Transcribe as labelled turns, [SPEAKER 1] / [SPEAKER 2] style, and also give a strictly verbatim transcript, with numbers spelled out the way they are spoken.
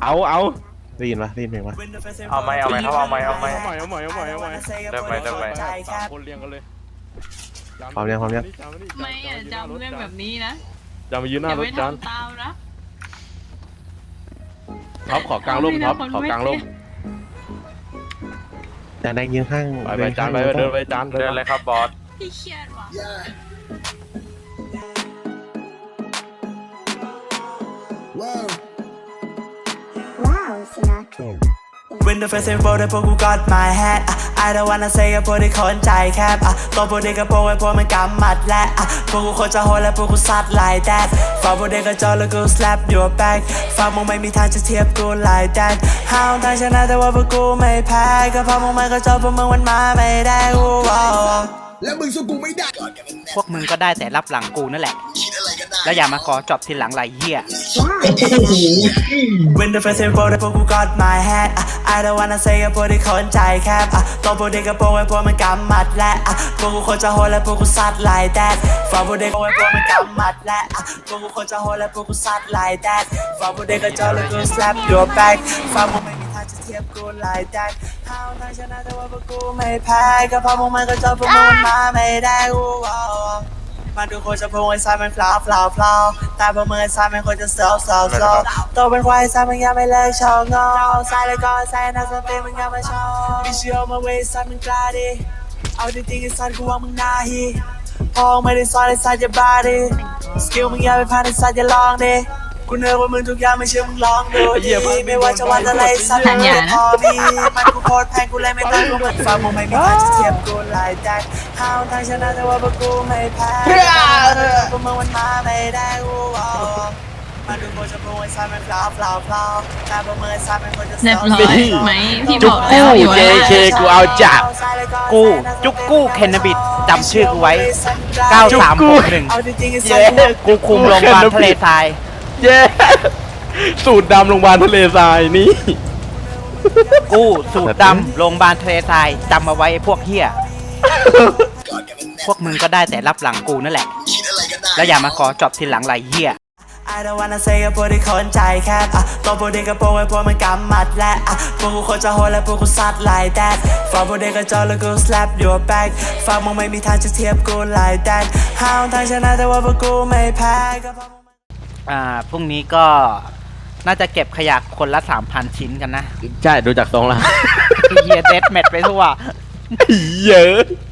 [SPEAKER 1] เอาเอา
[SPEAKER 2] ได้ยินปะได้ยินเพลงปะ
[SPEAKER 3] เอาไหมเอาไหมเขาเอาไหมเอาไหม
[SPEAKER 1] เอาใหม่เอาใหม่เอาใหม่เอาใหม่
[SPEAKER 3] เริ่มไหมเริ่มไหม
[SPEAKER 1] สามคนเรียงกันเลย
[SPEAKER 2] พร้อมยังพร้อมยัง
[SPEAKER 4] ไม่อะจำเรื่องแบบนี้นะ
[SPEAKER 1] จำมายืนหน้า
[SPEAKER 4] อย่าร
[SPEAKER 1] ถ
[SPEAKER 4] ไป
[SPEAKER 1] จาน
[SPEAKER 4] ทำตามนะ
[SPEAKER 1] ท็อปขอกลางร่มท็อปขอกลางร่ม
[SPEAKER 2] จานแดงยืนข้าง
[SPEAKER 1] ไปไปจานไปเดินไปจาน
[SPEAKER 3] เดินเลยครับบอส
[SPEAKER 4] พี่เครียดว่ะ
[SPEAKER 5] Wow. Wow, Sinatra.
[SPEAKER 6] When the festival ได้พวกกู got my hat อ่ะ I don't wanna say กับพวกที่คนใจแคบอ่ะตัวพวกเด็กกับพวกไอ้พวกมันกำหมัดและอ่ะพวกกูคนจะโหดและพวกกูซัด like that ฝากพวกเด็กกับจอแล้วกู slap your back ฝากมึงไม่มีทางจะเทียบกู like that ห้าวทางชนะแต่ว่าพวกกูไม่แพ้ก็เพราะมึงไม่ก็จอพวกมึงมันมาไม่ได้กูว้าว
[SPEAKER 5] แล้วมึงสู้กูไม่ได้
[SPEAKER 7] พวกมึงก็ได้แต่รับหลังกูนั่นแหละ แล้วอย่ามาขอจบทีหลังไรเหี้ย
[SPEAKER 6] When the festival ได้พวกกู got my hat อ่ะ I don't wanna say กับพวกที่คนใจแคบอ่ะตัวพวกเด็กกับพวกไอ้พวกมันกำหมัดและอ่ะพวกกูคนจะโหดและพวกกูซัด like that ฝากพวกเด็กกับพวกไอ้พวกมันกำหมัดและอ่ะพวกกูคนจะโหดและพวกกูซัด like that ฝากพวกเด็กกับจอแล้วกู slap your back ฝากมึงไม่มีทางจะเทียบกู like that ห้าวทางชนะแต่ว่าพวกกูไม่แพ้ก็เพราะมึงมันก็จอพวกมึงมาไม่ได้กูว้าวมันดูคนจะพูดไอ้สายมันฟลาวฟลาวฟลาวแต่พอมือไอ้สายมันคนจะเซลเซลเซลโตเป็นควายสายมันยังไม่เลิกชอบงอสายเลยก็สายนักสติมันยังไม่ชอบบิชิโอมาเวสายมันกล้าดิเอาจริงๆไอ้สายกูว่ามึงน่าฮีพอไม่ได้สอนไอ้สายจะบ้าดิสกิลมึงอย่าไปพลาดไอ้สายจะลองดิกูเนื้อว่ามึงทุกอย่างไม่เชื่อมึงลองดูดิไม่ว่าจะวันอะไรสักอย่างพอมีมันกูโคตรแพงกูเลยไม่ต้องกูเหมือนฟังมึงไม่มีทางจะเทียบกูหลายแต่ห้าวทางชนะแต่ว่าพวกกูไม่แพ้พวกมึงมันมาไม่ได้กูมาดูโคจะพูดไอ้สายมันฟลาวฟลาวฟลาวแต่พอมือไอ้สายมันคนจะ
[SPEAKER 4] เรียบร้อยไหมพี่บ
[SPEAKER 7] จุ
[SPEAKER 4] อก ก
[SPEAKER 7] กู้
[SPEAKER 4] แล้วอยู่
[SPEAKER 7] เจ
[SPEAKER 4] ว่า
[SPEAKER 7] เคกูเอาจับกูจุกกู้เคนนาบิดจำชื่อกูไว้ เก้าสามหกหนึ่ง
[SPEAKER 6] เย้
[SPEAKER 7] กูคุมโรงพยาบาลทะเลทราย
[SPEAKER 1] เย้สูตรดำโรงพยาบาลทะเลทรายนี่
[SPEAKER 7] กูสูตรดำโรงพยาบาลทะเลทรายจำมาไว้ไอ้พวกเฮียพวกมึงก็ได้แต่รับหลังกูนั่นแหละ แล้วอย่ามาขอจบทีหลังไรเฮีย
[SPEAKER 6] I don't wanna say กับพวกที่คนใจแคบอ่ะตัวพวกเด็กกับพวกไอ้พวกมันกำหมัดและอ่ะพวกกูคนจะโหดและพวกกูซัด like that ฝากพวกเด็กกับจอแล้วกู slap your back ฝากมึงไม่มีทางจะเทียบกู like that ห้าวทางชนะแต่ว่าพวกกูไม่แพ้ก็เพราะมึง
[SPEAKER 7] อ่าพรุ่งนี้ก็น่าจะเก็บขยะคนละสามพันชิ้นกันนะ
[SPEAKER 1] ใช่ดูจากทรงละ
[SPEAKER 7] เฮียเดดแมทไปทั่ว
[SPEAKER 1] เยอะ